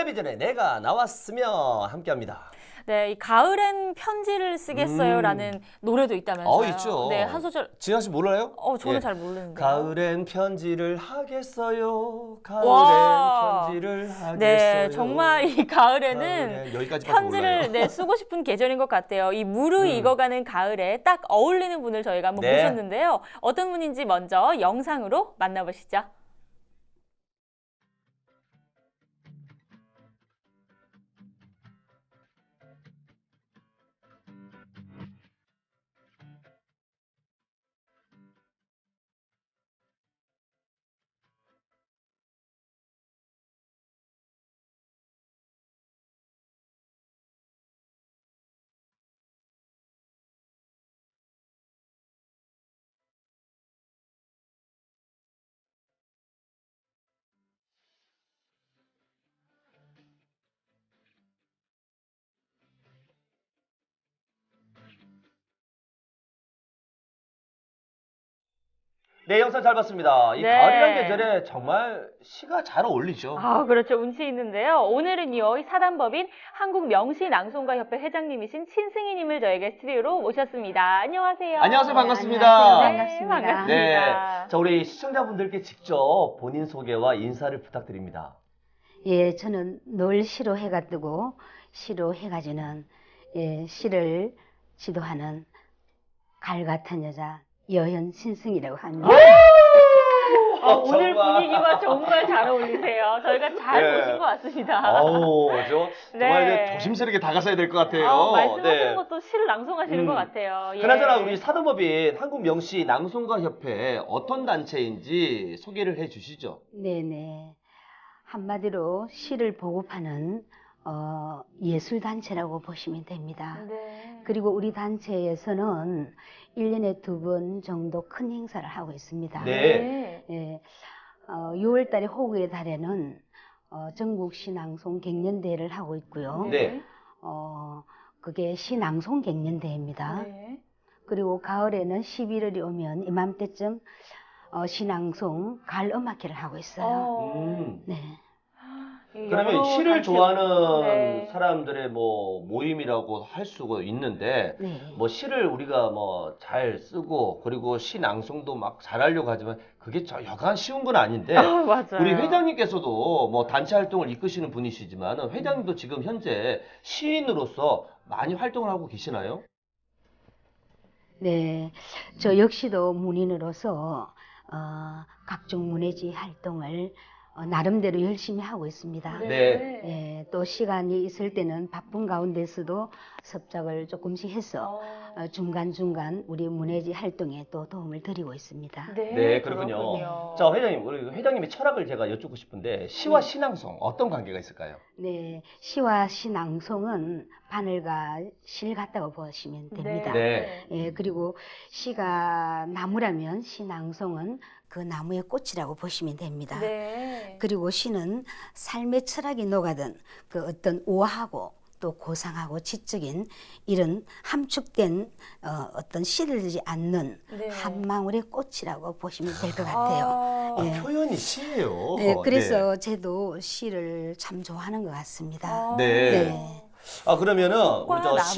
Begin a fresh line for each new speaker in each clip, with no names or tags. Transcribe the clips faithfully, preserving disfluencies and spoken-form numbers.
텔레비전에 내가 나왔으면 함께합니다.
네, 이 가을엔 편지를 쓰겠어요라는
음.
노래도 있다면서요.
어, 있죠.
네, 한 소절.
지아 씨 몰라요?
어, 저는
예.
잘 모르는데요.
가을엔 편지를 하겠어요. 가을엔
와.
편지를 하겠어요.
네, 정말 이 가을에는
가을엔 여기까지밖에
편지를
몰라요.
네, 쓰고 싶은 계절인 것 같아요. 이 무르익어가는 가을에 딱 어울리는 분을 저희가 한번
네.
모셨는데요. 어떤 분인지 먼저 영상으로 만나보시죠.
네, 영상 잘 봤습니다. 이
네.
가을이란 계절에 정말 시가 잘 어울리죠.
아, 그렇죠. 운치 있는데요. 오늘은요, 이 사단법인 한국명시낭송가협회 회장님이신 신승희님을 저에게 스튜디오로 모셨습니다. 안녕하세요.
안녕하세요. 반갑습니다.
안녕하세요.
네,
반갑습니다.
반갑습니다.
네, 자 우리 시청자분들께 직접 본인 소개와 인사를 부탁드립니다.
예, 저는 늘 시로 해가 뜨고 시로 해가 지는 예, 시를 지도하는 갈 같은 여자 여현 신승이라고 합니다.
어, 오늘
정말.
분위기와 정말 잘 어울리세요. 저희가 잘
네.
보신 것 같습니다.
아우, 저 정말
네.
이제 조심스럽게 다가서야 될 것 같아요.
아, 말씀하시는
네.
것도 시를 낭송하시는
음.
것 같아요. 예.
그나저나 우리 사단법인 한국명시 낭송가협회 어떤 단체인지 소개를 해 주시죠.
네네. 한마디로 시를 보급하는 어, 예술단체라고 보시면 됩니다.
네.
그리고 우리 단체에서는 일 년에 두 번 정도 큰 행사를 하고 있습니다.
네.
예, 어, 유월 달에 호국의 달에는 어, 전국 시낭송 갱년대회를 하고 있고요.
네.
어, 그게 시낭송 갱년대회입니다.
네.
그리고 가을에는 십일월이 오면 이맘때쯤 어, 시낭송 가을 음악회를 하고 있어요.
어.
음.
네.
이
그러면
여러
시를
단체-
좋아하는
네.
사람들의 뭐 모임이라고 할 수가 있는데
네.
뭐 시를 우리가 뭐 잘 쓰고 그리고 시 낭송도 막 잘하려고 하지만 그게 저 여간 쉬운 건 아닌데
아, 맞아요.
우리 회장님께서도 뭐 단체 활동을 이끄시는 분이시지만 회장님도 지금 현재 시인으로서 많이 활동을 하고 계시나요?
네. 저 역시도 문인으로서 어, 각종 문예지 활동을 어, 나름대로 열심히 하고 있습니다.
네.
예, 또 시간이 있을 때는 바쁜 가운데서도 섭작을 조금씩 해서
어.
어, 중간중간 우리 문예지 활동에 또 도움을 드리고 있습니다.
네,
네, 그렇군요. 자, 회장님, 우리 회장님의 철학을 제가 여쭙고 싶은데 시와
네.
신앙송 어떤 관계가 있을까요?
네, 시와 시낭송은 바늘과 실 같다고 보시면 됩니다.
네.
예, 그리고 시가 나무라면 시낭송은 그 나무의 꽃이라고 보시면 됩니다.
네.
그리고 시는 삶의 철학이 녹아든 그 어떤 우아하고 또 고상하고 지적인 이런 함축된 어, 어떤 시들지 않는
네.
한 망울의 꽃이라고 보시면 될 것 같아요.
아,
아,
예.
표현이 시예요.
네, 그래서 저도 시를 참 좋아하는 것 같습니다.
아.
네.
네.
아 그러면은
꽃과
우리 저
나무.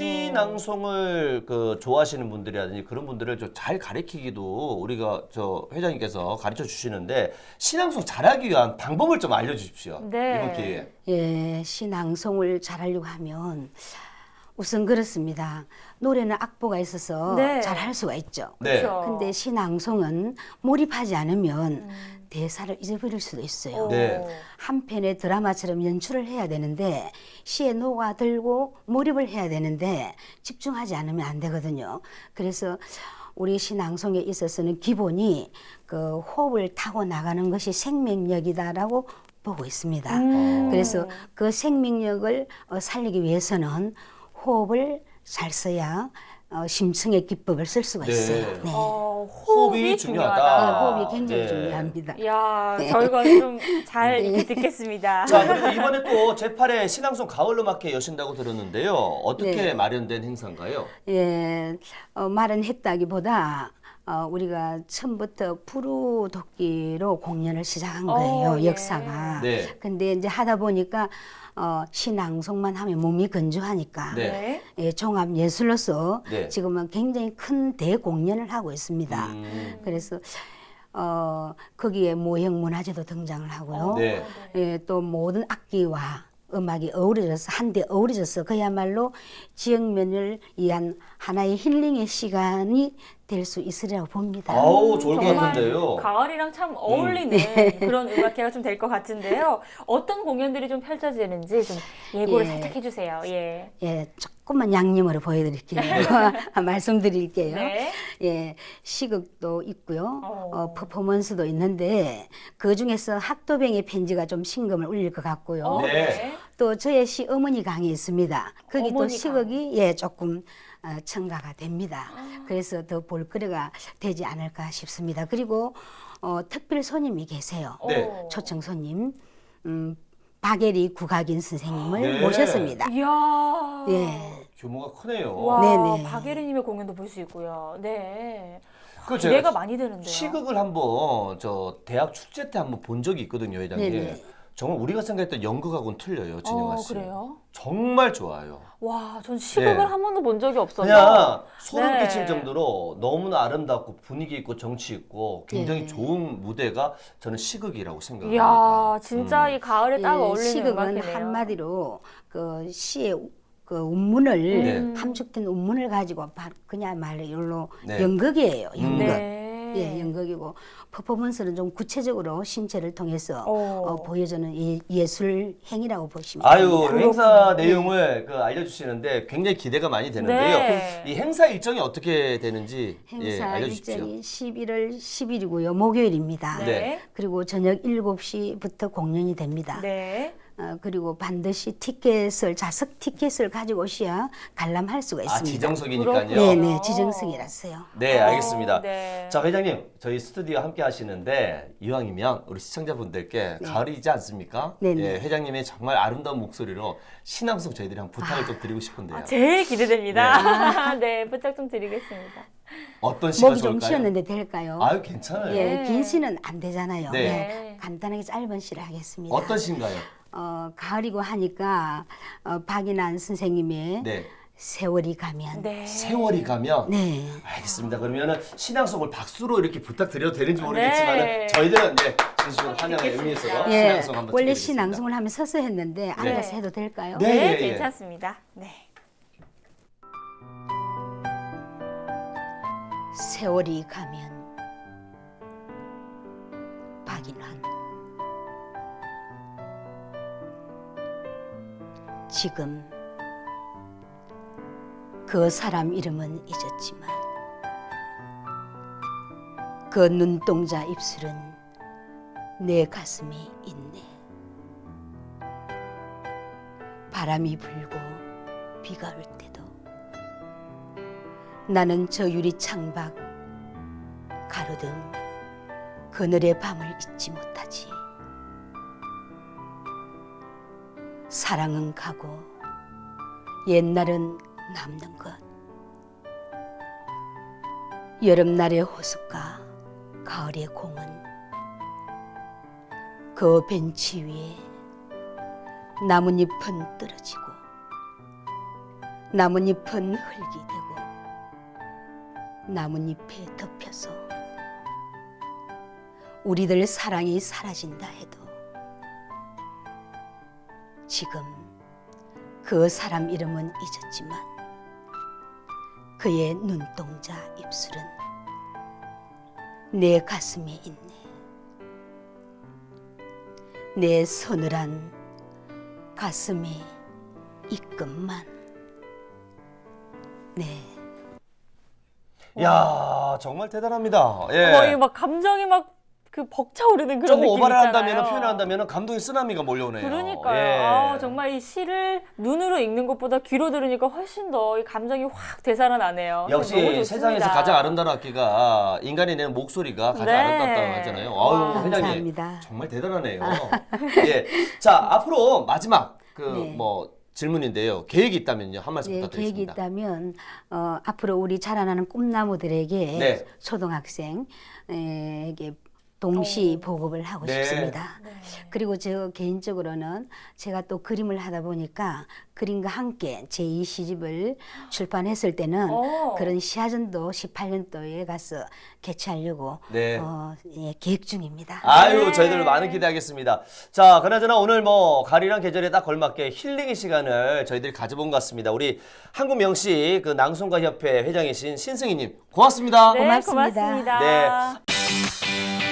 시낭송을 그 좋아하시는 분들이라든지 그런 분들을 좀 잘 가르치기도 우리가 저 회장님께서 가르쳐 주시는데 시낭송 잘하기 위한 방법을 좀 알려주십시오.
네.
이번 기회에.
예, 시낭송을 잘하려고 하면 우선 그렇습니다. 노래는 악보가 있어서
네.
잘할 수가 있죠.
네.
그렇죠.
근데 시낭송은 몰입하지 않으면
음.
대사를 잊어버릴 수도 있어요.
오.
네.
한 편의 드라마처럼 연출을 해야 되는데 시에 녹아들고 몰입을 해야 되는데 집중하지 않으면 안 되거든요. 그래서 우리 시낭송에 있어서는 기본이 그 호흡을 타고 나가는 것이 생명력이다라고 보고 있습니다.
음.
그래서 그 생명력을 어, 살리기 위해서는 호흡을 잘 써야 어, 심층의 기법을 쓸 수가
네.
있어요. 네.
어,
호흡이
호흡이
중요하다.
중요하다.
네, 호흡이 굉장히
네.
중요합니다.
이야,
네.
저희가 좀 잘
네.
이렇게 듣겠습니다.
자 그리고 이번에 또 제팔 회 신앙송 가을음악회 여신다고 들었는데요. 어떻게
네.
마련된 행사인가요?
예, 어, 말은 했다기보다 어, 우리가 처음부터 푸르도끼로 공연을 시작한 거예요.
어, 예.
역사가.
네.
근데 이제 하다 보니까 어, 시낭송만 하면 몸이 건조하니까
네.
예, 종합 예술로서
네.
지금은 굉장히 큰 대공연을 하고 있습니다.
음.
그래서 어, 거기에 모형 문화재도 등장을 하고요.
네.
예, 또 모든 악기와 음악이 어우러져서 한데 어우러져서 그야말로 지역면을 위한 하나의 힐링의 시간이 될 수 있으리라고 봅니다.
아우, 좋을 것
정말
같은데요.
가을이랑 참 어울리는 그런 음악회가 좀 될 것 같은데요. 어떤 공연들이 좀 펼쳐지는지 좀 예고를
예.
살짝 해주세요. 예.
예, 조금만 양념으로 보여드릴게요. 말씀드릴게요.
네.
예, 시극도 있고요.
어.
어, 퍼포먼스도 있는데 그 중에서 학도병의 편지가 좀 심금을 울릴 것 같고요.
어,
네.
또 저의 시 어머니 강이 있습니다. 거기 또
어머니
시극이 예 조금 어, 첨가가 됩니다.
아.
그래서 더 볼거리가 되지 않을까 싶습니다. 그리고 어, 특별 손님이 계세요.
네.
어.
초청 손님 음, 박예리 국악인 선생님을
네.
모셨습니다.
이야.
예.
규모가 크네요.
와,
네네.
박예리님의 공연도 볼 수 있고요. 네.
그
기대가
제가
많이 되는데요.
시극을 한번 저 대학 축제 때 한번 본 적이 있거든요, 회장님.
네네.
정말 우리가 생각했던 연극하고는 틀려요, 진영아
어,
씨.
그래요?
정말 좋아요.
와, 전 시극을
네.
한 번도 본 적이 없어서.
그냥 소름
네.
끼칠 정도로 너무나 아름답고 분위기 있고 정치 있고 굉장히
네.
좋은 무대가 저는 시극이라고 생각합니다.
이야, 진짜
음.
이 가을에 딱
예,
어울리는
시극은
음악이네요.
한마디로 그 시의 그 운문을
네.
함축된 운문을 가지고 바- 그냥말로 이걸로
네.
연극이에요. 연극.
네.
예, 연극이고 퍼포먼스는 좀 구체적으로 신체를 통해서
어.
어, 보여주는 예, 예술 행위라고 보시면
아유,
됩니다.
행사 내용을 그 알려주시는데 굉장히 기대가 많이 되는데요.
네.
이 행사 일정이 어떻게 되는지 예,
행사
알려주십시오.
일정이 십일월 십일이고요. 목요일입니다.
네.
그리고 저녁 일곱 시부터 공연이 됩니다.
네.
어, 그리고 반드시 티켓을 좌석 티켓을 가지고 오셔야 관람할 수가
아,
있습니다.
지정석이니까요.
그렇군요.
네네 지정석이라서요.
네, 알겠습니다.
어, 네.
자, 회장님, 저희 스튜디오 함께 하시는데 이왕이면 우리 시청자분들께 가을이지 않습니까?
네네.
예, 회장님의 정말 아름다운 목소리로 신앙송 저희들이 한번 부탁을 좀 드리고 싶은데요.
아, 제일 기대됩니다. 네, 부탁 좀 드리겠습니다.
어떤 시가
목이 좀
좋을까요?
쉬었는데 될까요?
아유, 괜찮아요.
예,
네.
긴 시는 안 되잖아요.
네.
네, 간단하게 짧은 시를 하겠습니다.
어떤 시인가요?
어, 가을이고 하니까 어, 박인환 선생님의
네.
세월이 가면.
네.
세월이 가면
네.
알겠습니다. 그러면은 신앙송을 박수로 이렇게 부탁드려도 되는지 모르겠지만
네.
저희들은 네, 진심으로 환영의 의미에서
예,
신앙송 한번
원래
드리겠습니다.
시낭송을 하면 서서 했는데 앉아서 해도 될까요?
네.
네,
예, 예.
괜찮습니다. 네.
세월이 가면 박인환 지금 그 사람 이름은 잊었지만 그 눈동자 입술은 내 가슴에 있네. 바람이 불고 비가 올 때도 나는 저 유리 창밖 가로등 그늘의 밤을 잊지 못하지. 사랑은 가고 옛날은 남는 것. 여름날의 호숫가 가을의 공원 그 벤치 위에 나뭇잎은 떨어지고 나뭇잎은 흙이 되고 나뭇잎에 덮여서 우리들 사랑이 사라진다 해도 지금 그 사람 이름은 잊었지만 그의 눈동자 입술은 내 가슴에 있네. 내 서늘한 가슴에 있건만. 네.
야, 정말 대단합니다. 예.
어, 이거 막 감정이 막 그 벅차오르는 그런
조금
느낌
오바를
있잖아요.
한다면 표현을 한다면 감동의 쓰나미가 몰려오네요.
그러니까요.
예.
아, 정말 이 시를 눈으로 읽는 것보다 귀로 들으니까 훨씬 더 이 감정이 확 되살아나네요.
역시
너무 좋습니다.
세상에서 가장 아름다운 악기가 인간이 내는 목소리가 가장
네.
아름답다고 하잖아요.
와.
아유, 회장님
감사합니다.
정말 대단하네요. 예. 자, 앞으로 마지막 그
네.
뭐 질문인데요. 계획이 있다면요. 한 말씀
네, 계획이
부탁드리겠습니다.
있다면 어, 앞으로 우리 자라나는 꿈나무들에게
네.
초등학생에게 동시
어.
보급을 하고
네.
싶습니다.
네.
그리고 저 개인적으로는 제가 또 그림을 하다 보니까 그림과 함께 제이 시집을 출판했을 때는
어.
그런 시화전도 십팔 년도에 가서 개최하려고
네.
어, 예, 계획 중입니다.
아유,
네.
저희들 많은 기대하겠습니다. 자, 그나저나 오늘 뭐 가을이란 계절에 딱 걸맞게 힐링의 시간을 저희들이 가져본 것 같습니다. 우리 한국 명시 그 낭송가 협회 회장이신 신승희님 고맙습니다.
네,
고맙습니다.
고맙습니다.
네.